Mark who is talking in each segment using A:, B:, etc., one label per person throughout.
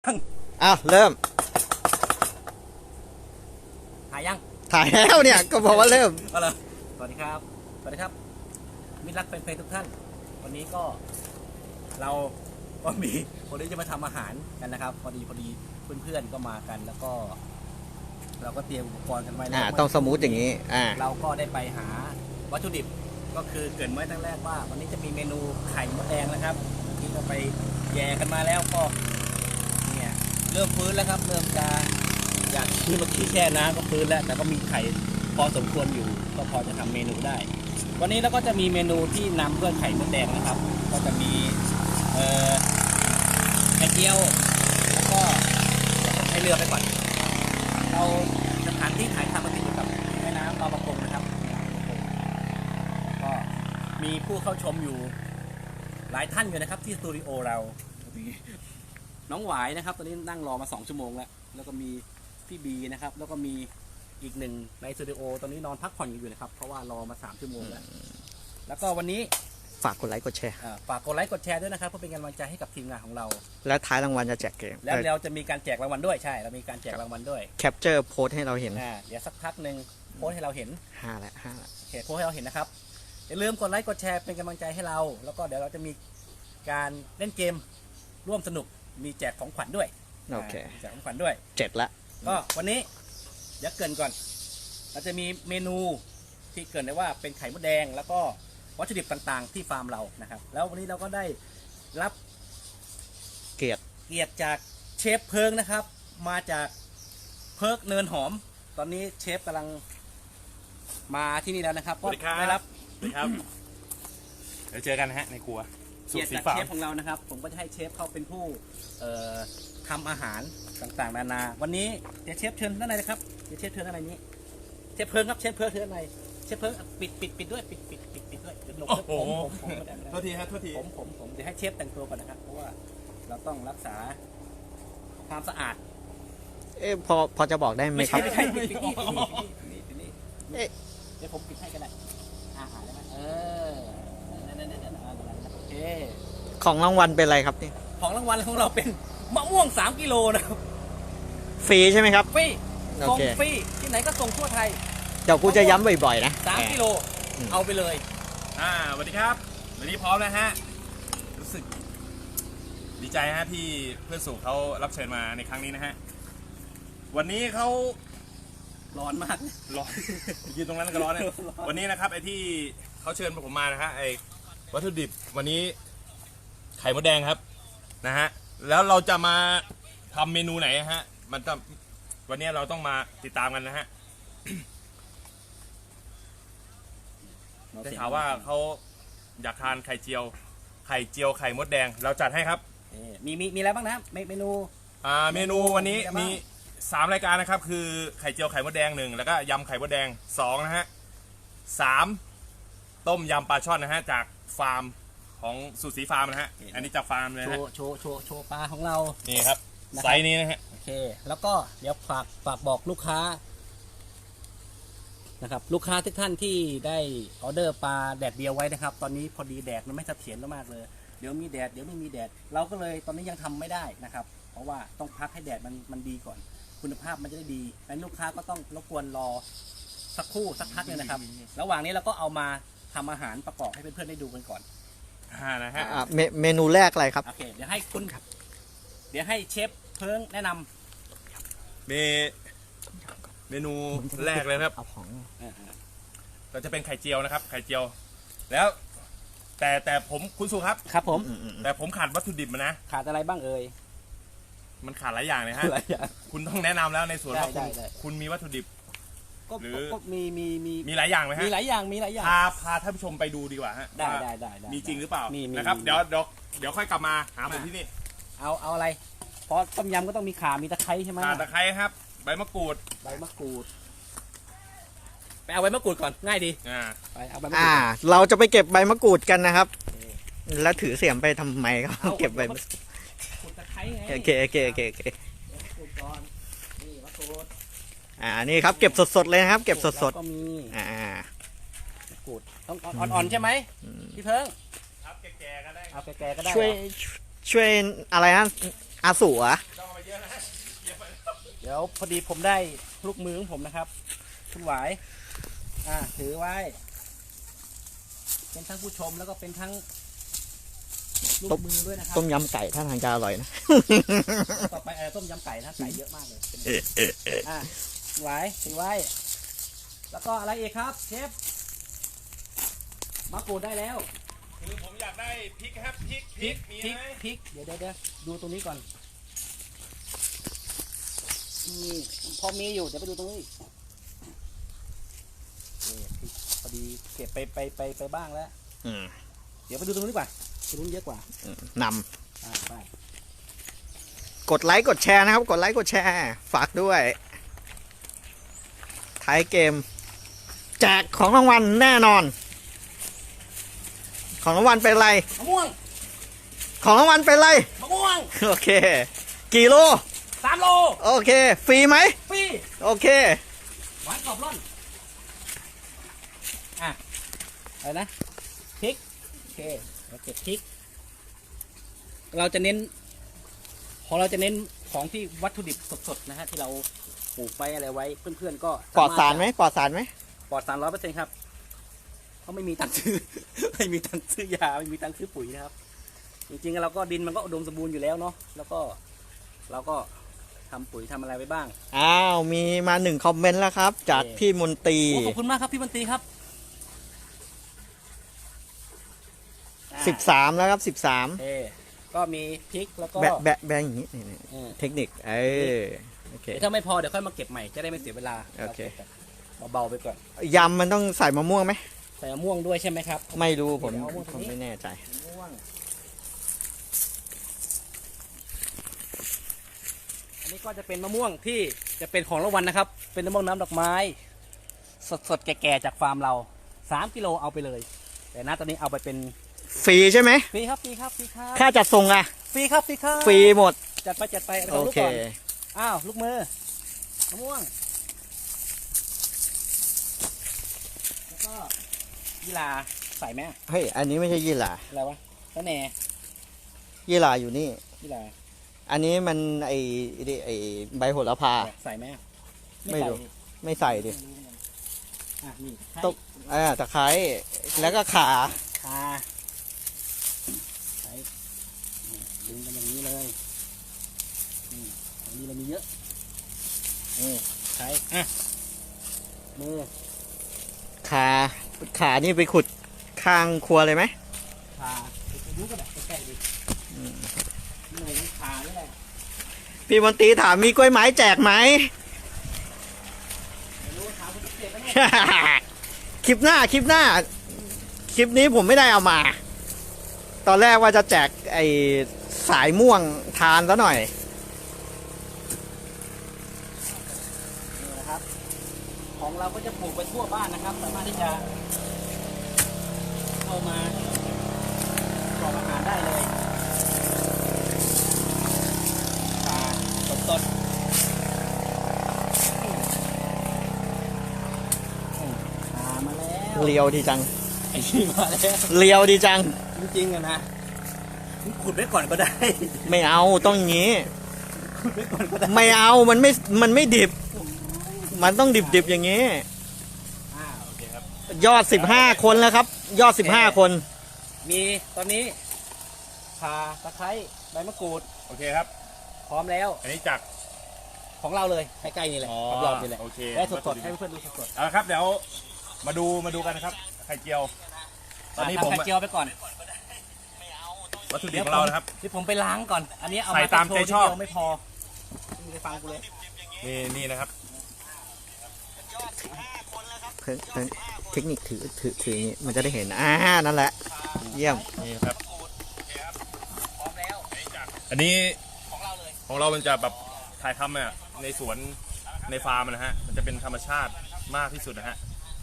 A: อ้าวเริ่ม
B: ถ่ายยัง
A: ถ่ายแล้วเนี่ยก็บอกว่าเริ่ม
B: ก็เลยสวัสดีครับมิตรรักเป็นเพลงทุกท่านวันนี้ก็เราก็มีคนที่จะมาทำอาหารกันนะครับพอดีเพื่อนๆก็มากันแล้วก็เราก็เตรียมอุปกรณ์กันไว้แล้ว
A: ต้องสมูทอย่างนี้
B: เราก็ได้ไปหาวัตถุดิบก็คือเกริ่นไว้ตั้งแรกว่าวันนี้จะมีเมนูไข่มดแดงนะครับที่เราไปแย่กันมาแล้วก็เนี่ยเริ่มฟื้นแล้วครับเริ่มจะอยากที่เมื่อกี้แช่น้ำก็ฟื้นแล้วแต่ก็มีไข่พอสมควรอยู่ก็พอจะทำเมนูได้วันนี้เราก็จะมีเมนูที่นำด้วยไข่มดแดงนะครับก็จะมีไข่เจียวแล้วก็ให้เรือไปก่อนเราสถานที่ถ่ายทำมันติดอยู่กับแม่น้ำบางประกงนะครับก็มีผู้เข้าชมอยู่หลายท่านอยู่นะครับที่สตูดิโอเราน้องหวายนะครับตอนนี้นั่งรอมา2 ชั่วโมงแล้วก็มีพี่บีนะครับแล้วก็มีอีกหนึ่งในสตูดิโอตอนนี้นอนพักผ่อนอยู่นะครับเพราะว่ารอมา3 ชั่วโมงแล้วก็วันนี้
A: ฝากกดไลค์กดแชร์
B: ฝากกดไลค์กดแชร์ด้วยนะครับเพื่อเป็นกำลังใจให้กับทีมงานของเรา
A: และท้ายรางวัลจะแจกเกม
B: แล้วเราจะมีการแจกรางวัลด้วยใช่เรามีการแจกรางวัลด้วย
A: แคปเจอร์โพสให้เราเห็น
B: เดี๋ยวสักพักหนึ่งโพสให้เราเห็น
A: 5ละ
B: โพสให้เราเห็นนะครับอย่าลืมกดไลค์กดแชร์เป็นกำลังใจให้เราแล้วก็เดี๋ยวเราจะมีการเล่นเกมร่วมสนุกมีแจกของขวัญด้วย
A: โอเค
B: แจกของขวัญด้วย
A: 7ละ
B: ก็วันนี้เดี๋ยวเกินก่อนเราจะมีเมนูที่เกินได้ว่าเป็นไข่มดแดงแล้วก็วัตถุดิบต่างๆที่ฟาร์มเรานะครับแล้ววันนี้เราก็ได้รับ
A: เกียร
B: ติจากเชฟเพิงนะครับมาจากเพิร์กเนินหอมตอนนี้เชฟกำลังมาที่นี่แล้วนะครับ
C: ก็ได้รับเดี๋ยวเจอกันนะฮะในครัว
B: เกียรติจากเชฟของเรานะครับผมก็จะให้เชฟเขาเป็นผู้ทำอาหารต่างๆนานาวันนี้เดี๋ยวเชฟเชิญด้านในนะครับเดี๋ยวเชฟเชิญด้านในนี้เชฟเพิงครับเชฟเพิงเชิญด้านในเชฟเพิงปิดด้วยปิดด้วยเดี๋ยวหลบผม
C: โทษทีครับโทษที
B: ผมเดี๋ยวให้เชฟแต่งตัวก่อนนะครับเพราะว่าเราต้องรักษาความสะอาด
A: พอจะบอกได้ไหมครับ
B: ไม่ใช่ปิดนี่เดี๋ยวผมปิดให้กันได้อาหารได้ไหมโอเค
A: ของรางวัลเป็นอะไรครับนี่
B: ของรางวัลของเราเป็นมะม่วง3 กิโลนะครับ
A: ฟรีใช่ไหมครับ
B: ฟรีส่งฟรีที่ไหนก็ส่งทั่วไทย
A: เดี๋ยวกูจะย้ำบ่อยๆนะ
B: 3 กิโลเอาไปเลย
C: สวัสดีครับวันนี้พร้อมแล้วฮะรู้สึกดีใจฮะที่เพื่อนสู่เขารับเชิญมาในครั้งนี้นะฮะวันนี้เขา
B: ร้อนมาก
C: ร้อนยืนตรงนั้นก็ร้อนนะวันนี้นะครับไอ้ที่เขาเชิญผมมานะฮะไอ้วัตถุดิบวันนี้ไข่มดแดงครับนะฮะแล้วเราจะมาทำเมนูไหนฮะมันจะวันนี้เราต้องมาติดตามกันนะฮะได้ข่าวว่าเขาอยากทานไข่เจียวไข่มดแดงเราจัดให้ครับ
B: มีอะไรบ้างนะเมนู
C: เมนูวันนี้มี3 รายการนะครับคือไข่เจียวไข่มดแดง1แล้วก็ยำไข่มดแดง2นะฮะ3ต้มยำปลาช่อนนะฮะจากฟาร์มของสุสีฟาร์มนะฮะอันนี้จากฟาร์มเลยนะ
B: โชว์ปลาของเรา
C: นี่ครับไซส์นี้นะฮะ
B: โอเคแล้วก็เดี๋ยวฝากบอกลูกค้านะครับลูกค้าทุกท่านที่ได้ออเดอร์ปลาแดดเดียวไว้นะครับตอนนี้พอดีแดดมันไม่เสถียรมากเลยเดี๋ยวมีแดดเดี๋ยวไม่มีแดดเราก็เลยตอนนี้ยังทำไม่ได้นะครับเพราะว่าต้องพักให้แดดมันดีก่อนคุณภาพมันจะได้ดีงั้นลูกค้าก็ต้องรบกวนรอสักพักนึงนะครับระหว่างนี้เราก็เอามาทำอาหารประกอบให้เพื่อนๆได้ดูกันก่อน
C: นะฮะ
A: เมนูแรกอะไรครับ
B: โอเคเดี๋ยวให้เชฟเพิ่งแนะนำ
C: เมนูแรกเลยครับเราจะเป็นไข่เจียวนะครับไข่เจียวแล้วแต่ผมคุณสุ
B: ครับผม
C: แต่ผมขาดวัตถุดิบมานะ
B: ขาดอะไรบ้างเอ่ย
C: มันขาดหลายอย่างเลยฮะคุณต้องแนะนำแล้วในส่วนว่าคุณมีวัตถุดิบ
B: หรือ
C: มีหลายอย่างไหมฮะ
B: มีหลายอย่าง
C: พาท่านผู้ชมไปดูดีกว่าฮะ
B: ได้
C: มีจริงหรือเปล่านะครับเดี๋ยวค่อยกลับมาหาผมที่นี่
B: เอาอะไรเพราะต้มยำก็ต้องมีข่ามีตะไคร้ใช่ไหม
C: ข่าตะไคร้ครับใบมะกรูด
B: ไปเอาใบมะกรูดก่อนง่ายดีไปเอาใบมะกรูด
A: เราจะไปเก็บใบมะกรูดกันนะครับแล้วถือเสียมไปทำไมก็เก็บใบมะกรูด
B: ตะไคร้ไง
A: โอเคนี่ครับเก็บสดๆเลยนะครับเก็บสด
B: ๆก็มีมะกรูดต้องอ่อนๆใช่ไหมพี่เพิ่ง
C: ครับแก่ๆก็ได้
B: เอาแก่ๆก็ได้
A: ช่วยอะไรนะอาสูอะ
B: เดี๋ยวพอดีผมได้ลูกมือของผมนะครับคุณหวายถือไว้ เป็นทั้งผู้ชมแล้วก็เป็นทั้งลูกมือด้วยนะครับ
A: ต้มยำไก่ท่าทางจะอร่อยนะ
B: ต่อไปต้มยำไก่นะไก่เยอะมากเลยหวายถือไว้ แล้วก็อะไรอีกครับเชฟมะกรูดได้แล้ว
C: คือผมอยากได้พริกครับพริกมีไหม
B: พริกเดี๋ยวดูตรงนี้ก่อนนี่พอมีอยู่เดี๋ยวไปดูตรงนี้นี่พริกพอดีเก็บไปบ้างแล้ว
A: อืม
B: เดี๋ยวไปดูตรงนี้ดีกว่าตรงนู้นเยอะกว่า
A: น
B: ไป
A: ำกดไลค์กดแชร์นะครับ กดไลค์กดแชร์ ฝากด้วยท้ายเกม แจกของรางวัลแน่นอน ของรางวัลเป็นอะไร
B: มะม่วง
A: ของรางวัลเป็นอะไร
B: มะม่วง
A: โอเค กี่โล
B: 3 โล
A: โอเค ฟรีไหม
B: ฟรี
A: โอเค
B: หวานกรอบร่อนอะไรนะพริกโอเคเราเก็บพริก เราจะเน้นของที่วัตถุดิบสดๆนะฮะที่เราปลูกไว้อะไรไว้เพื่อนๆก็
A: ปลอดสารไหมปลอดสารไหม
B: ปลอดสาร100%ครับเขาไม่มีตังค์ซื้อ ไม่มีตังค์ซื้อยาไม่มีตังค์ซื้อปุ๋ยนะครับ จริงๆเราก็ดินมันก็อุดมสมบูรณ์อยู่แล้วเนาะแล้วก็เราก็ทำปุ๋ยทำอะไรไว้บ้าง
A: อ้าว มีมา1 คอมเมนต์แล้วครับ จากพี่มนตรี
B: ขอบคุณมากครับพี่บันตรีครับ
A: 13 แล้วครับ
B: ก็มีพริกแล้วก็
A: 13 แบะอย่างนี้นี่
B: เออ
A: เทคนิค โอเค
B: เดี๋ยวถ้าไม่พอเดี๋ยวค่อยมาเก็บใหม่จะได้ไม่เสียเวลา
A: โอเค
B: เบาๆไปก่อน
A: ยำมันต้องใส่มะม่วงไหม
B: ใส่มะม่วงด้วยใช่ไหมครับ
A: ไม่รู้ผม
B: เดี๋ยวเอามะม่วงตรงนี้
A: ไม่แน่ใจ
B: มะม่วงอันนี้ก็จะเป็นมะม่วงที่จะเป็นของรางวัลนะครับ เป็นมะม่วงน้ำดอกไม้ สดๆแก่ๆจากฟาร์มเรา3 กิโลเอาไปเลย แต่ณตอนนี้เอาไปเป็น
A: ฟรีใช่ไหม
B: ฟรีครับฟรีครับฟรีครับ
A: ค่าจัดส่งอะ
B: ฟรีครับฟรีครับ
A: ฟรีหมด
B: จัดไปเอา
A: โอ
B: ลูก
A: เค
B: ก่อนอ้าวลูกมือมะม่วงแล้วก็ยีราใส่ไหม
A: เฮ้ย อันนี้ไม่ใช่ยี่หร่า
B: อะไรวะแล้วแหน่
A: ยี่หร่าอยู่นี่
B: ยีรา
A: อันนี้มันไอใบโหระพา
B: ใส่ไหม
A: ไม่รู้
B: ใส่
A: ไม่ใส่ดิ
B: ไม่รู้เหมือนกันนี่
A: ต้อง ตะไคร้แล้วก็ขา
B: ค่ะใส่ดึงกันอย่างนี้เลยอันนี้เรามีเยอะใช้มือ
A: ขานี่ไปขุดข้างครัวเลยไหม
B: ขาไปดูก็แบบใกล้ๆดินี่เลยต้องขานี่แหละ
A: พี่มนตรีถามมีกล้วยไม้แจกไหม
B: ไม่รู้ขาคุณเจ็บไหมเนี่ย
A: คลิปหน้า คลิปนี้ผมไม่ได้เอามา ตอนแรกว่าจะแจกไอ้สายม่วงทานซะหน่อย
B: นี่นะครับ ของเราก็จะปลูกไปทั่วบ้านนะครับสามารถที่จะเข้ามาประกอบอาหารได้เลยปลาสดมาแล้ว
A: เลียวดีจัง
B: ไอ้ที่มาแล้ว
A: เลียวดีจัง
B: จริงๆอะนะขุดไว้ก่อนก็ได้
A: ไม่เอาต้องอย่างนี้
B: ขุดไว้ก่อนก็ได้
A: ไม่เอามันไม่ดิบ มันต้องดิบอย่างนี้
B: โอเคครับ
A: ยอด15 คนแล้วครับ ยอด15 คน
B: มีตอนนี้ข่าตะไคร้ใบมะกรูด
C: โอเคครับ
B: พร้อมแล้ว
C: อันนี้จาก
B: ของเราเลยใกล้ๆนี่แหละรอบๆนี่แหละ
C: โอเค
B: ได้สดๆให้เพื่อนๆดูสด
C: เอาละครับเดี๋ยวมาดูกันนะครับไข่เจียว
B: ๆ
C: ตอนนี้ผม
B: ทำไข่เจียวไปก่อน
C: วัตถุดิบของเรานะครับ
B: ที่ผมไปล้างก่อน อันนี้เอา
C: ใส่
B: มา
C: ตามใจชอบ
B: ทีเดียวไม่พอมึงไปฟังกูเลย
C: นี่นะครับ
A: เทคนิคถืออย่างนี้มันจะได้เห็นนั่นแหละ เยี่ยม
C: นี่ครับ
B: พร้อมแล้ว
C: อันนี้
B: ของเราเลย
C: ของเรามันจะแบบถ่ายทำอะในสวนในฟาร์มนะฮะมันจะเป็นธรรมชาติมากที่สุดนะฮะ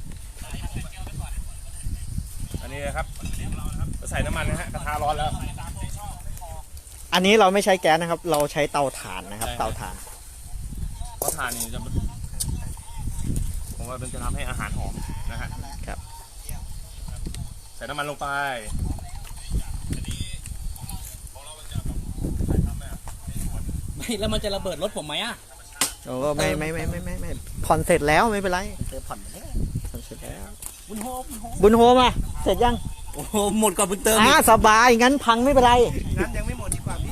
C: อันนี้นะครับใส่น้ำมันนะฮะกระทะร้อนแล้ว
A: อันนี้เราไม่ใช้แก๊สนะครับ เราใช้เตาถ่านนะครับ
C: ใช่
A: เตาถ่าน
C: เพราะทานนี่จะผมว่ามันจะทำให้อาหารหอมนะฮะ
A: ครับ
C: ใส่น้ำมันลงไปอันนี้ของเรามันจะแบบถ่ายทำอะในสวน
B: ไม่แล้วมันจะระเบิดรถผมไหมอ่ะ
A: โอ้ไม่ผ่อนเสร็จแล้วไม่เป็นไร
B: เจอผ่อนแล้ว
A: ผ่อนเสร็จแล้ว
B: บุญโฮม
A: บุญโฮมาเสร็จยัง
B: โอ้โหหมดก่อนบุญเติม
A: สบายงั้นพังไม่เป็นไร
B: งั้นยังไม่หมดดีกว่าพี่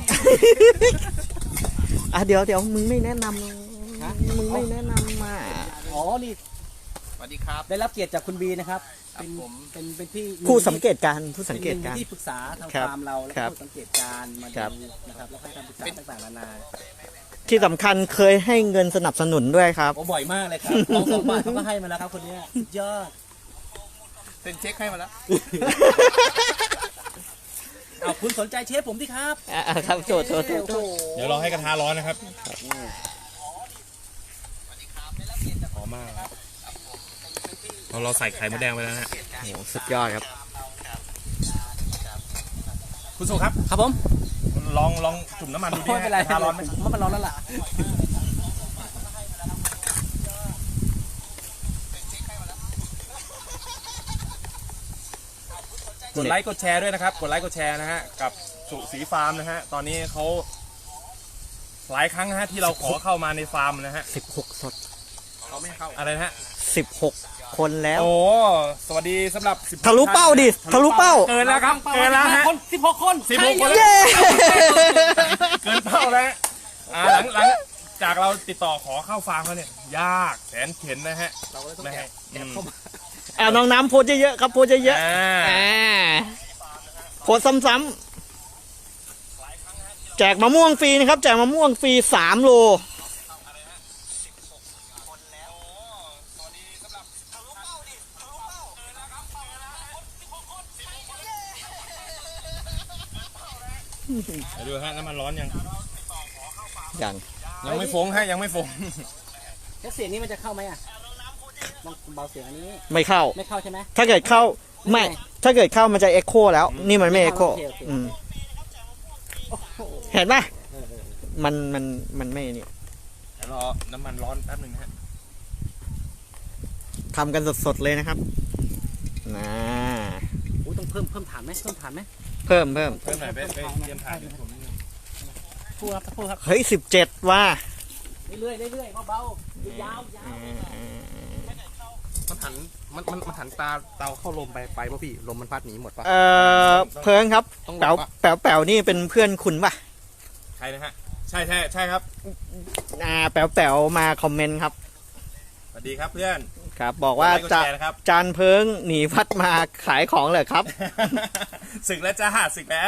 A: เดี๋ยวมึงไม่แนะนำมึงไม่แนะนำมา
B: อ๋อนี่
C: สวัสดีครับ
B: ได้รับเกียรติจากคุณบีนะครับ
C: ครับ
B: เป็น
C: ผม
B: เป็นที่
A: ผู้สังเกตการณ์ผู้สังเกตการณ์
B: เป็นที่ปรึกษาทาง
A: ครับ
B: ฟาร์มเราแล้ว
A: ครั
B: ก็
A: บ
B: ผู้สังเกตการณ์มา
A: ครับ
B: ดูนะครับแล้วก็ให้คำปรึกษาต่างๆนานา
A: ที่สำคัญเคยให้เงินสนับสนุนด้วยครับ
B: โอ้บ่อยมากเลยครับลอง2 บาทเขาก็ให้มาแล้วครับคนเนี้ยสุดยอด
C: เซ็นเช็คให้มาแล้ว
B: เอาคุณสนใจเชฟผมดิครับ
A: ครับโทษ
B: โอ้โห
C: เดี๋ยวเราให้กระทะร้อนนะครับหอมมากครับเราใส่ไข่มดแดงไปแล้วนะฮะ
A: โอ้สุดยอดครับ
C: คุณสุครับ
B: ครับผม
C: ลองจุ่มน้ำมันดูดิ
B: ไม่เป็นไร
C: กระทะร้อนไหม
B: เพราะมันร้อนแล้วล่ะ
C: กดไลค์กดแชร์ด้วยนะครับ กดไลค์กดแชร์นะฮะกับสุสีฟาร์มนะฮะตอนนี้เขาหลายครั้งนะฮะที่เราขอเข้ามาในฟาร์มนะฮะ
A: 16 สด
C: เขาไม่เข้าอะไรนะฮะ
A: 16 คนแล้ว
C: โอ้สวัสดีสำหรับ10
A: ทะลุเป้าดิทะลุเป้า
C: เกินแล้วครับเกินแล้วฮะ
B: 16 คน
C: 16 คน
A: เย้
C: เกินเป้าแล้วหลังจากเราติดต่อขอเข้าฟาร์มแล้วเนี่ยยากแสนเข็ญนะฮะ
B: เราก็เลยต้อง
C: ไม่
B: แอ
C: ให้
B: บแอบเข้ามา
A: น้องน้ำโพสเยอะๆครับโพสเยอะๆโพสซ้ำๆแจกมะม่วงฟรีนะครับแจกมะม่วงฟรี3 โล
C: ดูฮะน้ำมันร้อนยัง
A: อย่าง
C: ไม่ฟงฮะยังไม่ฟง
B: แล้วเสียงนี้มันจะเข้าไหมอ่ะลองเบาเสียงอันนี้
A: ไม่เข้า
B: ไม่เข้าใช่ไหม
A: ถ้าเกิดเข้าไม่ถ้าเกิดเข้ามันจะเอ็กโคแล้ว นี่มันไม่เอ็กโค
B: โอเคโอเค โอ้โห
A: เห็นปะ
B: เออ
A: มันไม่นี่
C: เดี๋ยวรอน้ำมันร้อนแป๊บหนึงนะฮะ
A: ทำกันสดๆเลยนะครับนะ
B: อุ๊ยต้องเพิ่มฐานไหมเพิ่มฐานไหม
A: เพิ่ม
C: เพิ่มหน่อยไปเตรียมถ่ายผมนิดนึง
B: พูดครับพูดครับ
A: เฮ้ย17ว่า
B: เรื่อยๆเรื่อยๆเบาๆยาวๆ
D: มันหันมันหันตาเตาเข้าลมไปป่ะพี่ลมมันพัดหนีหมดป่ะ
A: เพิงครับ
D: ต้อง
A: แป๋ว
D: บอกว่า
A: แป๋วนี่เป็นเพื่อนคุณป่ะ
C: ใช่นะฮะใช่ครับ
A: แป๋วมาคอมเมนต์ครับ
C: สวัสดีครับเพื่อน
A: ครับ บอกว่า
C: ไลค์กด
A: จะ
C: แชร์นะครับ
A: จานเพิงหนีพัดมาขายของเลยครับ
C: ศึกแล้วจ้าศึกแล้ว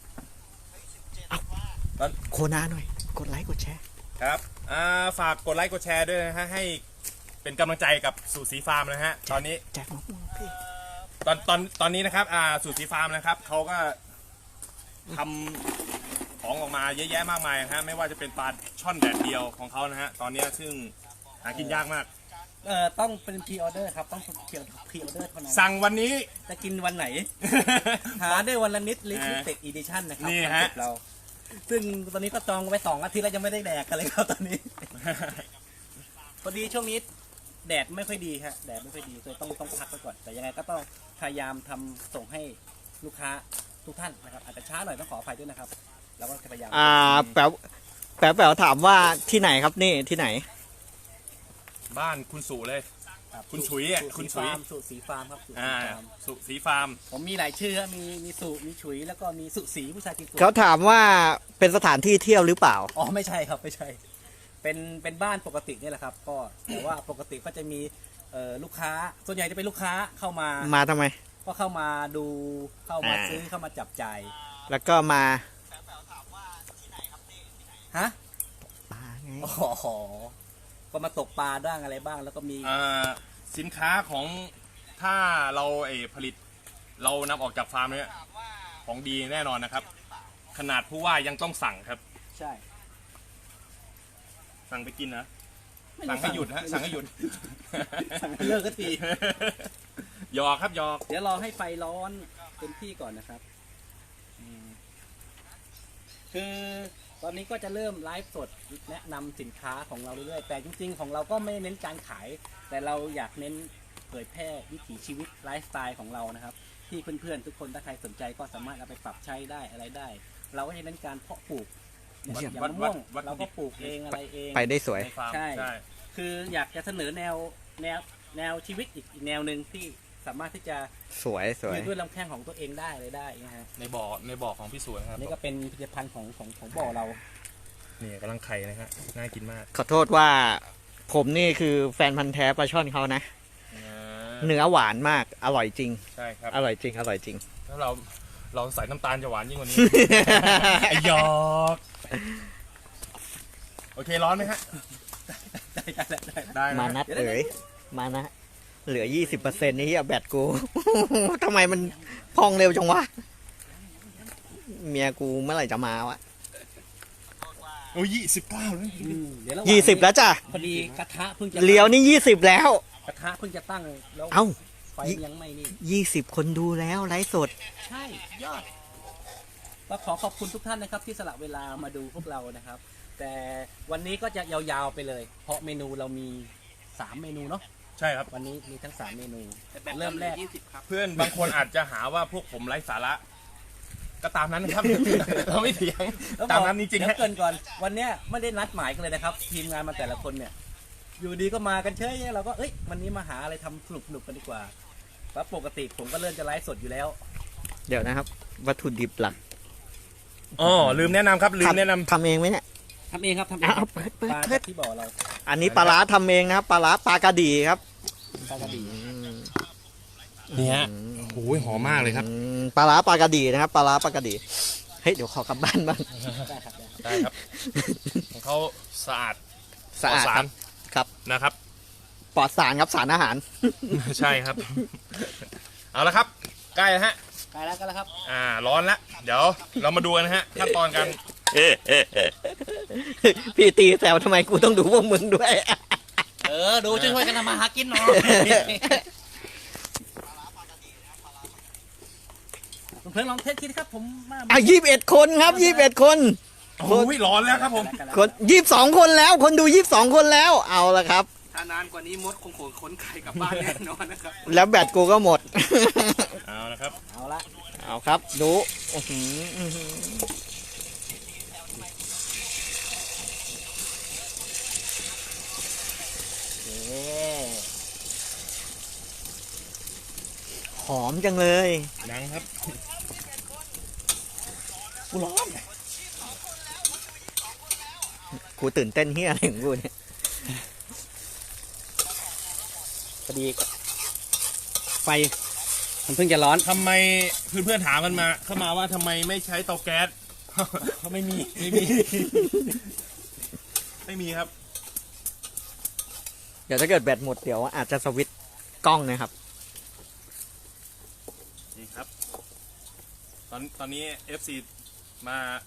A: โคนาหน่อย กดไลค์กดแชร์
C: ครับฝากกดไลค์กดแชร์ด้วยนะฮะให้เป็นกำลังใจกับสูตรสีฟาร์มนะฮะตอนนี้
A: แจกมะม่วงพี่
C: ตอนนี้นะครับสูตรสีฟาร์มนะครับเขาก็ทำของออกมาเยอะแยะมากมายนะฮะไม่ว่าจะเป็นปลาช่อนแดดเดียวของเขานะฮะตอนนี้ซึ่งหากินยากมาก
B: ต้องเป็นพรีออเดอร์ครับต้องพรีออเดอร์เท่านั้น
C: สั่งวันนี้
B: จะกินวันไหน หาได้วันละนิดลิมิเต็ดอีดิชั่นนะครับ
C: นี่ฮะ
B: คอนเซ็ปต์เรา ซึ่งตอนนี้ก็จองไว้2 อาทิตย์แล้วยังไม่ได้แดกกันเลยครับตอนนี้ พอดีช่วงนี้แดดไม่ค่อยดีฮะแดดไม่ค่อยดีเลยต้องพักไปก่อน แต่ยังไงก็ต้องพยายามทำส่งให้ลูกค้าทุกท่านนะครับอาจจะช้าหน่อยต้องขออภัยด้วยนะครับเราก็จะพยายาม
A: แป๋วถามว่าที่ไหนครับนี่ที่ไหน
C: บ้านคุณสุเลย
B: รับ
C: คุณฉุยอ่ะคุณฉุย
B: สูตรสีฟาร์มครับสูตร
C: อ่า
B: สีฟาร์ม
C: สุสีฟาร์ม
B: ผมมีหลายชื่อครับมีสุมีฉุยแล้วก็มีสุสีผู้ชายกินสุ
A: เขาถามว่าเป็นสถานที่เที่ยวหรือเปล่า
B: อ๋อไม่ใช่ครับไม่ใช่ เป็นบ้านปกตินี่แหละครับ ก็แต่ว่าปกติก็จะมีลูกค้าส่วนใหญ่จะเป็นลูกค้าเข้ามา
A: มาทำไม
B: ก็เข้ามาดูเข้ามาซื้อเข้ามาจับจ่าย
A: แล้วก็มา
B: ฮะ
A: ปลาไง
B: อ๋อก็มาตกปลาบ้างอะไรบ้าง แล้วก็มี
C: สินค้าของถ้าเราผลิตเรานำออกจากฟาร์มเนี่ยของดีแน่นอนนะครับ ขนาดผู้ว่ายังต้องสั่งครับ
B: ใช่
C: สั่งไปกินนะ
B: ไม่
C: สั่งให้หยุดฮะสั่งให้หยุด
B: สั่งให้เลิกก็ที
C: หยอกครับหยอก
B: เดี๋ยวรอให้ไฟร้อนเต็มที่ก่อนนะครับคือตอนนี้ก็จะเริ่มไลฟ์สดแนะนำสินค้าของเราเรื่อยๆแต่จริงๆของเราก็ไม่เน้นการขาย แต่เราอยากเน้นเผยแพร่วิถีชีวิตไลฟ์สไตล์ของเรานะครับ ที่เพื่อนๆทุกคนถ้าใครสนใจก็สามารถเอาไปปรับใช้ได้อะไรได้ เราก็จะเน้นการเพาะปลูกอย่าง
C: วั
B: มะ
C: ด
B: ม่วง
C: วัด
B: เราก็ปลูกเองอะไรเอง
A: ไปได้สวย
C: ในฟาร์ม
B: ใช่
C: ใช่
B: คืออยากจะเสนอแนวชีวิตอีกแนวหนึ่งที่สามารถที่จะ
A: สวยสวย
B: ยืนด้วยลำแข้งของตัวเองได้เลยได้นะฮะ
C: ในบ่อของพี่สวนครับ
B: นี่ก็เป็นผลิตภัณฑ์ของบ่อเรา
C: นี่กำลังไข่นะฮะน่ากินมาก
A: ขอโทษว่าผมนี่คือแฟนพันธ์แท้ปลาช่อนเขานะ เนื้อหวานมาก อร่อยจริง
C: ใช่ครับ
A: อร่อยจริง อร่อยจริง
C: ถ้าเราใส่น้ำตาลจะหวานยิ่งกว่านี้ ไอหยอก โอเคร้อนไหมฮะ ได้
A: มา
C: นะ
A: นัดเอ๋ยมานะ เหลือ 20%นี่เฮียแบตกู ทำไมมันพองเร็วจังวะ เมียกูเมื่อไหร่จะมาวะ
C: โอ้ย29แล้ว
B: เดี๋ยวระหว่างนี้
A: 20 แล้วจ้ะ
B: พอดีกระทะเพิ่งจะ
A: เลี้ยวนี่ 20 แล้ว
B: กระทะเพิ่งจะตั้งแล้ว
A: เอ้า
B: ไฟยังไม่นี่
A: 20 คนดูแล้วไลฟ์สด
B: ใช่ยอดก็ขอขอบคุณทุกท่านนะครับที่สละเวลามาดูพวกเรานะครับ แต่วันนี้ก็จะยาวๆไปเลย เพราะเมนูเรามี3เมนูเนาะ
C: ใช่ครับ
B: วันนี้มีทั้ง3เมนู เริ่มแรก
C: เพื่อนบางคนอาจจะหาว่าพวกผมไร้สาระ ก็ตามนั้นนะครับ เราไม่เถียง ตามนั้นจริงๆ
B: เดี๋ย
C: ฮะ
B: วเกรินก่อนวันเนี้ยไม่ได้นัดหมายกันเลยนะครับ ทีมงานมาแต่ละคนเนี่ย อยู่ดีก็มากันเฉยเราก็เอ้ยวันนี้มาหาอะไรทำสนุกๆกันดีกว่าเพราะปกติผมก็เริ่มจะไลฟ์สดอยู่แล้ว
A: เดี๋ยวนะครับ วัตถุดิบหลัก
C: อ๋อลืมแนะนำครับลืมแนะนำ
A: ทำเองไหมเนี่ย
B: ทำเองครับทำเอง
A: เอาเปิด
B: ปลา
A: เปิ
B: จา
A: ด
B: กที่บ่อเรา
A: อันนี้ปลาร้าทำเองนะครับ ปลาร้าปลากระดีครับ
B: ปลากระดี
C: นี่ฮะโอ้ยหอมมากเลยครับ
A: ปลาร้าปลากระดีนะครับ ปลาร้าปลากระดี เฮ้ย เดี๋ยวขอกลับบ้านบ้าง
B: ได้ครับได้
C: ได้ครับ ของเขาสะอาด
A: สะอาด
C: ปล
A: ครับ ครับ
C: นะครับ
A: ปลอดสารครับ สารอาหาร
C: ใช่ครับ เอาละครับ ใกล้แล้วฮะ
B: ไปแล้วกันแล้วครับ
C: ร้อนแล้ว เดี๋ยวเรามาดูกันนะฮะขั้นตอนกัน
A: พี่ตีแซวทำไมกูต้องดูพวกมึงด้วย
B: ดูช่วยๆกันทำมาหากินหน่อยเพื่อนลองเทสคิดครับผมมา
A: อ่ะ21 คนครับ21 คน
C: โอ้ยร้อนแล้วครับผม
A: คน22 คนแล้ว คนดู22 คนแล้ว เอาละครับ
D: ถ้านานกว่านี้มดคงขนไข่กลับบ้านแน่นอนนะครับ
A: แล้วแบตกูก็หมด
C: เอาละครับ
B: เอาละ
A: เอาครับ ดูอื้อหืออื้อหือหอมจังเลย
C: นังครับกูร้อน
A: กูตื่นเต้นเฮียอะไรของกูเนี่ย
B: พอดีไฟมันเพิ่งจะร้อน
C: ทำไมเพื่อนๆถามกันมาเข้ามาว่าทำไมไม่ใช้เตาแก๊ส เขาไม่มีไม่มีครับ
A: เดี๋ยวถ้าเกิดแบตหมดเดี๋ยวอาจจะสวิตช์กล้องนะครับ
C: นี่ครับ ตอนนี้ FC มา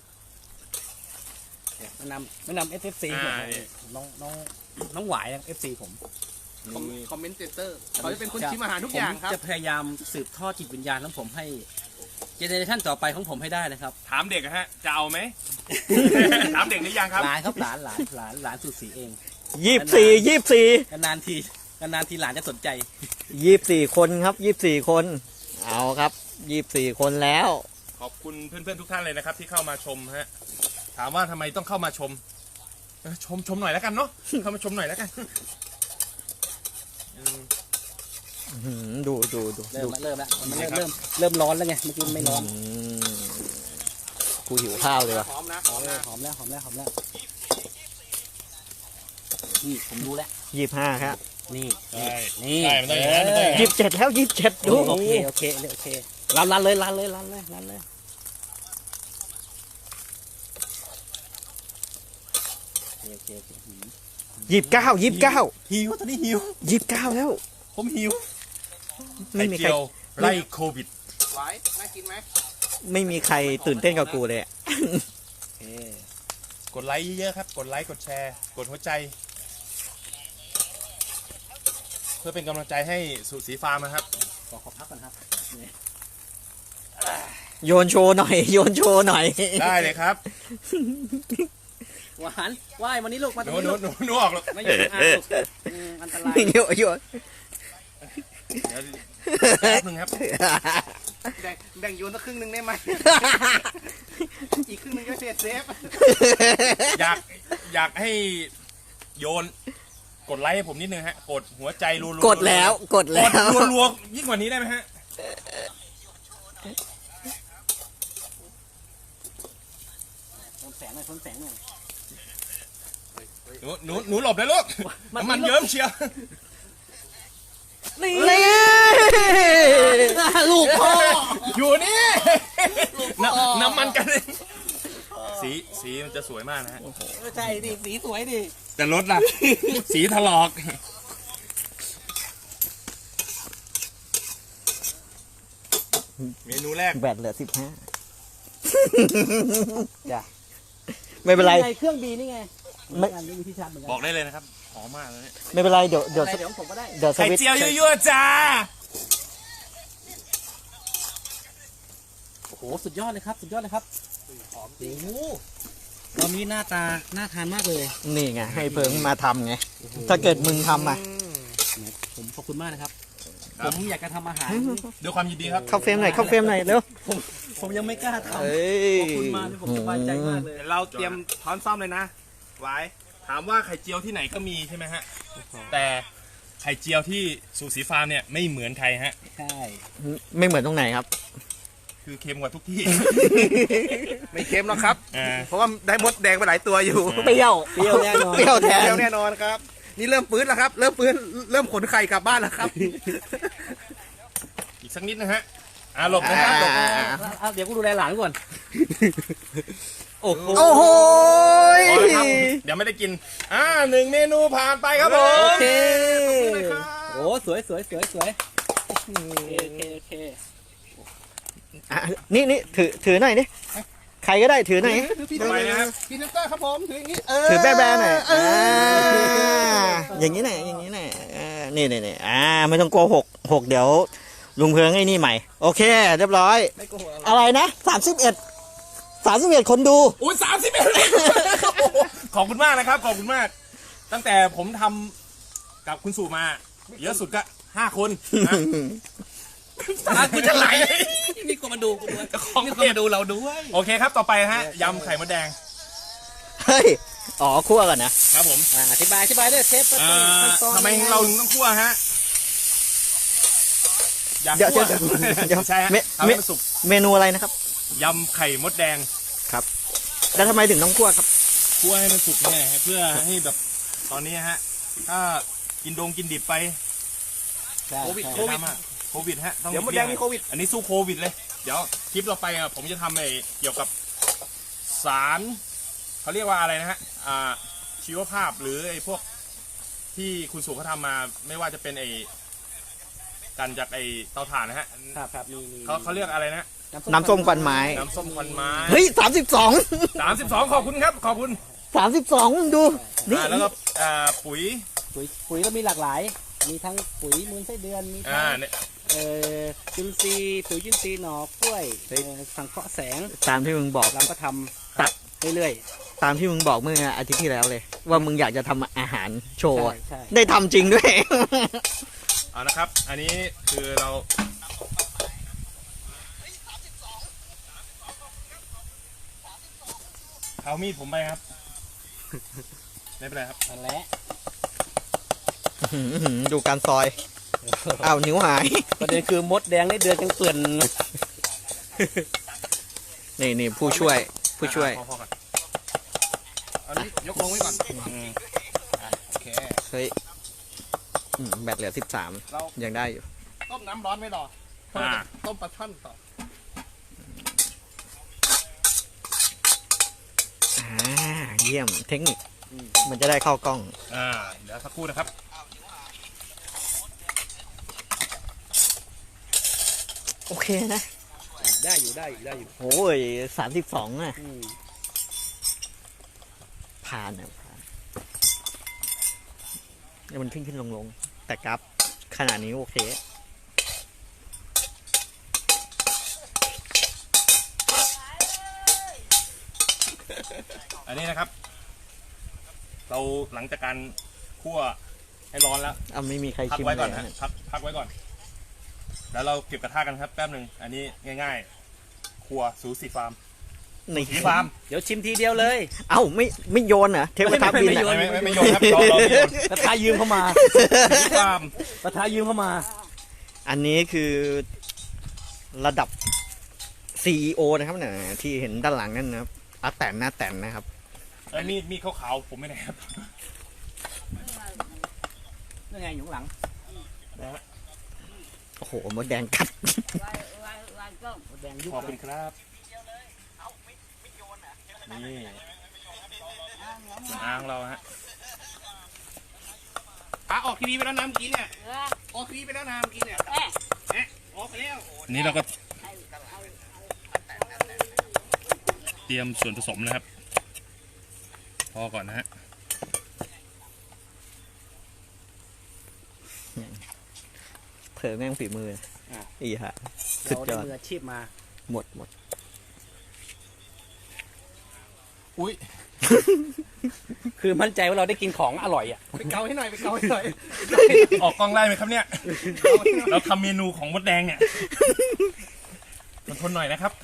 B: แนะนำ FFC ผม
C: นี่
B: น้องหวายนะ FC ผม
D: คอมเมนเตอร์เขาจะเป็นคนชิมอาหารทุกอย่างครับ
B: ผมจะพยายามสืบทอดจิตวิญญาณของผมให้เจเนอเรชันต่อไปของผมให้ได้นะครับ
C: ถามเด็กนะฮะ จะเอาไหม ถามเด็กหรือยังครับ
B: หลานครับหลานสุดสีเอง
A: 24
B: นานๆทีหลานจะสนใจ
A: 24 คนครับ 24 คน เอาครับ 24 คนแล้ว
C: ขอบคุณเพื่อนๆทุกท่านเลยนะครับ ที่เข้ามาชมฮะ ถามว่าทำไมต้องเข้ามาชมชมหน่อยแล้วกันเนาะ เข้ามาชมหน่อยแล้วกัน
A: ดู
B: เริ่มแล้วมันเริ่มร้อนแล้วไงเมื่อกี้ไม่ร้อน
A: กูหิวข้าวเลยว่ะ
D: หอมนะ
B: หอมแล้วนี่ผมรู้แล้ว
A: 25 ครับ
B: นี่
C: ใช่
B: นี่
C: ใช่มันต้องอย่างนั้นมันต้องอย่างนั้น
A: 27 แล้ว 27 ดู
B: โอเครันเลยโอเค
A: 29
B: หิวตอนนี้หิว
A: 29 แล้ว
B: ผมหิว
A: ไม่
C: ไข่
A: มีใคร
C: เจียวไล่โควิด
D: ไว้น่ากินไหม
A: ไม่มีใครตื่นเต้นกับกูเลยอะ
C: กดไลค์เยอะๆครับ กดไลค์กดแชร์ กดหัวใจ เพื่อเป็นกำลังใจให้สุสีฟาร์มนะครับ
B: ขอพักก่อนครับ
A: โยนโชว์หน่อย โยนโชว์หน่อย
C: ได้เลยครับ
B: หวานว่ายวันนี้ลูกมา
C: ห
B: ตร
C: นู
B: งนี้ลูก
C: หนูออกหรอก
B: ไม่อยู่ข้างลูกอันตราย
A: โยน
C: เดี๋ยวแป๊บนึงครับ
D: แบ่งโยนสักครึ่งหนึงได้ไหม อีกครึ่งหนึงก็เซฟ
C: อยากให้โยนกดไลค์ให้ผมนิดนึงฮะกดหัวใจรัวๆ
A: กดแล้วกด
C: ก
A: แล้
C: ด
A: ว
C: รัวๆยิ่งกว่านี้ได้ไหมฮะ
B: ทนแสงหน่อยทนแสงหน่อย
C: หนูหลบนะลูกน้ำมันเยิ้มเชียว
B: นี่
A: นี่ลูกพ่อ
C: อยู่นี่น้ำมันกันสีมันจะสวยมากนะฮะ
B: ใช่ดิสีสวยดิ
C: แต่รถล่ะ สีถลอก เมนูแรก
A: แบตเหลือ15
B: จ้ะ
A: ไม่เป็นไร
B: ไงเครื่องบีนี่ไง
A: ไม่
B: งานนี้มีที่ชาร์จเหมือนกั
C: บอกได้เลยนะครับหอมมากเลย
A: ไม่เป็นไรเดี๋ยว
B: อะไรเดี๋ยวผมก็ได้
A: เดี๋ยวส
C: ไข่
A: วิตช์
C: เจียวยั่วๆจ้า
B: โอ้โหสุดยอดเลยครับสุดยอดเลยครับหอมจริงตอนนี้หน้าตาน่าทานมากเลย
A: นี่ไงให้เพิงมาทำไง ถ้าเกิดมึงทำอ่ะ
B: ผมขอบคุณมากนะครับ
C: ครับ
B: ผมอยากจะทำอาหาร
C: ด้วยความยินดีครับ
A: เข้าเฟรมหน่อยเข้าเฟรมหน่อยเร็ว
B: ผมยังไม่กล้าทำ
A: เอ้ย
B: ขอบคุณมากที่ผมสบายใจมากเลย
D: เราเตรียมช้อนซ่อมเลยนะ ไว้
C: ถามว่าไข่เจียวที่ไหนก็มีใช่ไหมฮะ แต่ไข่เจียวที่สูสีฟาร์มเนี่ยไม่เหมือนใครฮะ
B: ใช่
A: ไม่เหมือนตรงไหนครับ
C: คือเค็มกว่าทุกที่
D: ไม่เค็มหรอกครับ
C: อ่า
D: เพราะว่าได้มดแดงไปหลายตัวอยู่
A: เปรี้ยว
B: เปรี้ยวแน่นอน
A: เปรี้ยวแทน
D: เดียวแน่นอนครับ นี่เริ่มฟื้นแล้วครับ เริ่มฟื้น เริ่มขนไข่กลับบ้านแล้วครับ
C: อีกสักนิดนะฮะหลบนะครับหลบ
B: เอาเดี๋ยวกูดูแลหลานก่อน โอ้โห
A: โอ้โห
C: พอแล้วครับเดี๋ยวไม่ได้กินหนึ่งเมนูผ่านไปครับผม
B: โอเค
C: ขอบคุณเลยครับ
B: โอ้สวยสวยสวยสวยโอเค
A: อ่ะนี่ถือหน่อยดิใครก็ได้ถือหน่อย
D: พี่
C: ทำไมนะครับ
D: พี่น้ำตาครับผม ถืออย่างนี้
A: ถือแบ๊ะๆหน่อยอย่างนี้หน่อยอย่างนี้หน่อยนี่ไม่ต้องกลัวหกเดี๋ยวลุงเพิงไอ้นี่ใหม่ โอเค เรียบร้อย
D: ไม่โกหก
A: อะไรนะ31คนดู
C: อุ้ย31ขอบคุณมากนะครับ ขอบคุณมาก ตั้งแต่ผมทำกับคุณสู่มา เยอะสุดก็5 คนนะกูจะไหล
B: นี่ก็มาดูกูด้วย
C: ของ
B: นี่ก็
C: เก็บ
B: มาดูเราด้วย
C: โอเคครับต่อไปฮะยำไข่มดแดง
A: เฮ้ยอ๋อคั่วก่อนนะครับ
C: ผม
B: อธิบายด้วยเชฟ
C: ทำไมเราถึงต้องคั่วฮะอยาก
A: เดี๋ยว
C: คั่ว
A: เดี๋ยว
C: ใช่ฮะ
A: เม
C: ทำให้มันสุก
A: เมนูอะไรนะครับ
C: ยำไข่มดแดง
A: แล้วทำไมถึงต้องคั่วครับ
C: คั่วให้มันสุกเนี่ยฮะเพื่อให้แบบตอนนี้ฮะถ้ากินดิบไป
D: โควิด
C: โควิดฮะต้อง
D: เดี๋ยวมดแดงมีโควิด
C: อันนี้สู้โควิดเลย เดี๋ยวคลิปเราไปอ่ะผมจะทำเกี่ยวกับสารเขาเรียกว่าอะไรนะฮะชีวภาพหรือไอ้พวกที่คุณสุเขาทำมาไม่ว่าจะเป็นกันจากเตาถ่านนะฮะ
B: ครับมี
C: เขาเรียกอะไรนะ
A: น้ำส้มควันไม้
C: น้ำส้มควันไม้
A: เฮ้ย
C: 32ขอบคุณครับขอบคุณ
A: 32ดูนี่
C: แล้วก็ปุ๋ย
B: ปุ๋ยก็มีหลากหลาย มีทั้งปุ๋ยมูลไส้เดือนมีทั้ง
C: เนี่ย
B: จุลินทรีย์ปุ๋ยจุลินทรีย์หน่อกล้วยสังเคราะห์แสง
A: ตามที่มึงบอก
B: เราก็ทำเรื่อย
A: ตามที่มึงบอกเมื่ออาทิตย์ที่แล้วเลย ว่ามึงอยากจะทำอาหารโช
B: ๆ
A: ว์อะ
B: ใช่
A: ได้ทำจริงด้วย
C: เอานะครับ อันนี้คือเราเอามีดผมไปครับ ไม่เป็นไรครับ
B: นั่นแหละ
A: ดูการซอยอ้าวนิ้วหาย
B: ประเด็นคือมดแดงได้เดือนกันเกลื่อน
A: นี่ผู้ช่วย
C: พอก่อน
D: อันนี้ยกลงไว้ก่อน โอเค
A: เฮ้ยแบตเหลือ
D: เรา
A: 13ยังได้อยู่
D: ต้มน้ำร้อนไว้รอต้มปลาช่อนต่อ
A: เยี่ยมเทคนิค มันจะได้เข้ากล้อง
C: เดี๋ยวสักครู่นะครับ
A: โอเคนะ
B: ได้อยู่
A: โอ้ย32อ่ะ ผ่านนะผ่านแล้วมันขึ้นลงแต่กราฟขนาดนี้โอเค
C: อันนี้นะครับ เราหลังจากการคั่วให้ร้อนแล้ว
A: ไม่มีใคร
C: พัก
A: ชิม
C: ไว้ก่อน
A: เลย
C: นะพักไว้ก่อนแล้วเราเก็บกระทะกันครับแป๊บหนึ่งอันนี้ง่ายๆ ครัวสูสีฟาร์ม
A: นี่
C: สีฟาร์ม
B: เดี๋ยวชิมทีเดียวเลย
A: เอ้าไม่โยนเหรอเทปกระทะบิน
B: ไม่
A: อะ
B: โยน
C: ไม่โยนครับเราไม่โยน
B: ประธานยืมเข้ามา
C: สีฟาร์ม
B: ประธานยืมเข้ามา
A: อันนี้คือระดับ CEO นะครับเนี่ยที่เห็นด้านหลังนั่นนะครับอาแตนนะครับ
C: ไอ้มีดขาวๆผมไม่ได้ครับ
B: นี่ไงอยู่ข้างหลัง
A: โอ้โหมดแดงกัด
B: หมดแดงยุบ
C: ขอบคุณครับนี่ส่วนอ้างเราฮะ
D: ออกทีวีไปแล้วน้ำเมื่อกี้เนี่ยออกทีวีไปแล้วน้ำเมื่อกี้เนี่ยออกไปแล้ว
C: อันนี้เราก็เตรียมส่วนผสมนะครับ พอก่อนนะฮะ
A: เผลอแม่งฝีมืออีฮะสุ
B: เรา
A: ดย
B: ได้
A: อด
B: มืออาชีพมา
A: หมด
C: อุ้ย
B: คือมั่นใจว่าเราได้กินของอร่อยอ่ะ
D: ไปเกาให้หน่อยไปเกาให้หน่อย
C: ออกกล้องได้ไหมครับเนี่ย เราทำเมนูของมดแดงเนี่ยทนหน่อยนะครับ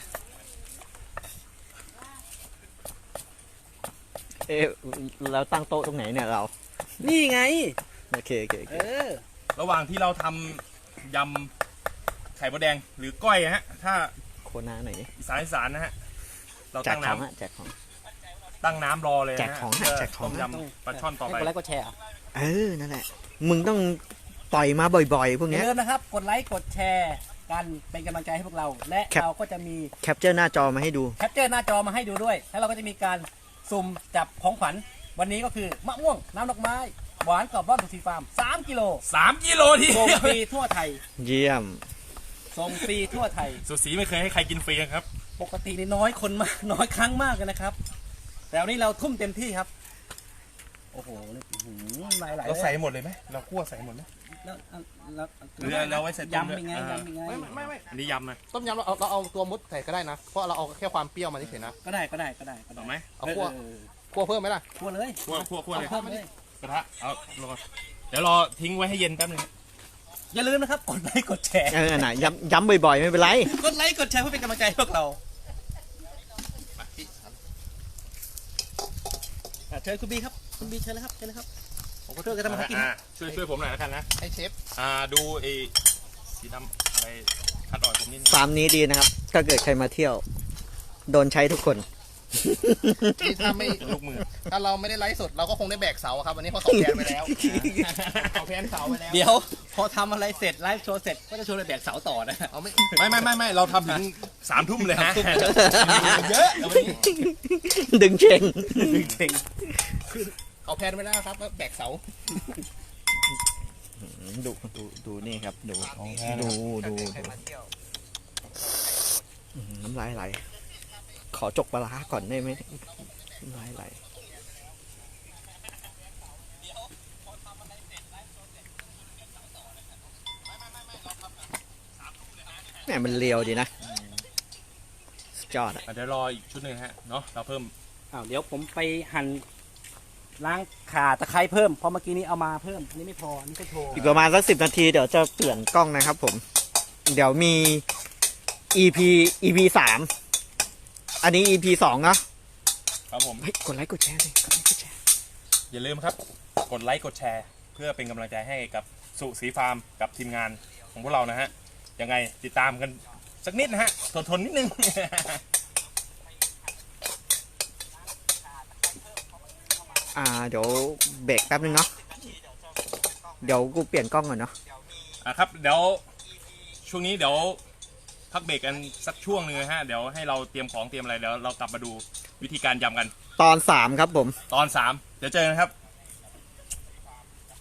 A: เอ๊ะเราตั้งโต๊ะตรงไหนเนี่ยเรา
B: นี่ไง
A: โอเค
B: เออ
C: ระหว่างที่เราทำยำไข่มดแดงหรือก้อยฮะ ถ้า
A: โคนาหน่อยดิ
C: อีสานนะฮะ เรา
A: แจก
C: ตั้ง
A: ของ
C: น้ำ
A: ฮะแจกของ
C: ตั้งน้ำรอเลยนะ
A: แจกของฮะ
C: เพื่
A: แจกของ
C: ต้มยำปลาช่อนต่อ
B: ให้
C: ไป
B: กดไลค์กดแชร์อ่ะ
A: นั่นแหละมึงต้องปล่อยมาบ่อยๆ พวก
B: อย่า
A: เนี้ย
B: ลืมนะครับ กดไลค์กดแชร์กันเป็นกำลังใจให้พวกเรา และ
A: ครับ
B: เราก็จะมี
A: แคปเจอร์หน้าจอมาให้ดู
B: แคปเจอร์หน้าจอมาให้ดูด้วย แล้วเราก็จะมีการสุ่มจับของขวัญวันนี้ก็คือมะม่วงน้ำดอกไม้หวานกรอบร่อนสุสีฟาร์ม3กิโล
C: 3 กิโลที
B: ส่ง
C: เดียว
B: ฟรีทั่วไทย
A: เยี่ยม
B: ส่งฟรีทั่วไทย
C: สุสีไม่เคยให้ใครกินฟรีนะครับ
B: ปกตินี่น้อยคนมาก น้อยครั้งมากเลยนะครับ แต่วันนี้เราทุ่มเต็มที่ครับ โอ้โหนี่หลาย
C: เราใส่หมดเลยไหมเราคั่วใส่หมดไหม
B: แล้ว
C: หรือเราไว้ใส่ต้ม
B: ยำเป็นไง
C: ด้วย
B: ยำเป็นไง
D: ไม่
C: อันนี้ยำนะ
D: ต้มยำเราเอาตัวมดใส่ก็ได้นะ เพราะเราเอาแค่ความเปรี้ยวมาเฉยๆนะ
B: ก็ได้
C: ต่อไหม
D: เอาคั่วคั่วเพิ่มไหมล่ะ
B: คั่วเลย
C: คั่วเลย
B: เพิ่มเลย
C: กระทะเอารอเดี๋ยวรอทิ้งไว้ให้เย็นแป๊บนึง
B: อย่าลืมนะครับ กดไลค์กดแชร์
A: น่ะย้ำบ่อยๆ ไม่เป็นไร
B: กดไลค์กดแชร์เพื่อเป็นกำลังใจให้พวกเราเชิญคุณบีครับคุณบีเชิญเลยครับเชิญเลยครับผมก็ช่วยกันทำมาหากิน
C: ช่วยผมหน่อยแล้วกันนะ
D: ให้เชฟ
C: ดูไอ้สีดำอะไรคัดออกตรงนี้นิดนึง
A: ฟาร์มนี้ดีนะครับ ถ้าเกิดใครมาเที่ยว โดนใช้ทุกคน
D: นี่ถ้าไม่
C: ลูกมือ
D: ถ้าเราไม่ได้ไลฟ์สดเราก็คงได้แบกเสาครับวันนี้เพราะเขาแพนไปแล้วเขาแพนเสาไปแล้ว
B: เดี๋ยวพอทำอะไรเสร็จไลฟ์โชว์เสร็จก็จะชวนไปแบกเสาต่อนะ
D: เอาไม่
C: ไม่เราทำถึง3 ทุ่มเลยฮะเยอะเอาวันนี้
A: ดึงเชง
B: เก่ง
D: เขาแพนไปแล้วครับว่าแบกเสา
A: ดูนี่ครับ ดูน้ำลายไหล ขอจกปลาร้าก่อนได้ไหมน้ำลายไหลแหมมันเลียวดีนะสุดยอดอะ
C: เดี๋ยวรออีกชุดหนึ่งฮะเนาะเราเพิ่ม
B: เดี๋ยวผมไปหั่นล้างข่าตะไคร้เพิ่มเพราะเมื่อกี้นี้เอามาเพิ่มอันนี้ไม่พออันนี้ก็โชว์
A: อีกประมาณสัก10 นาทีเดี๋ยวจะเปลี่ยนกล้องนะครับผม เดี๋ยวมี EP 3 อันนี้ EP 2 เนาะ
C: ครับผม
A: เฮ้ยกดไลค์กดแชร์เลยกดไลค์กดแชร์
C: อย่าลืมครับ กดไลค์กดแชร์ เพื่อเป็นกำลังใจให้กับสุสีฟาร์มกับทีมงานของพวกเรานะฮะยังไงติดตามกันสักนิดนะฮะทนนิดนึง
A: เดี๋ยวเบรกแป๊บนึงเนาะ เดี๋ยวกูเปลี่ยนกล้องก่อนเนาะ
C: ครับเดี๋ยวช่วงนี้เดี๋ยวพักเบรกกันสักช่วงหนึงนะฮะเดี๋ยวให้เราเตรียมของเตรียมอะไรเดี๋ยวเรากลับมาดูวิธีการยำกัน
A: ตอน 3 ครับผม
C: ตอน 3 เดี๋ยวเจอกันครับ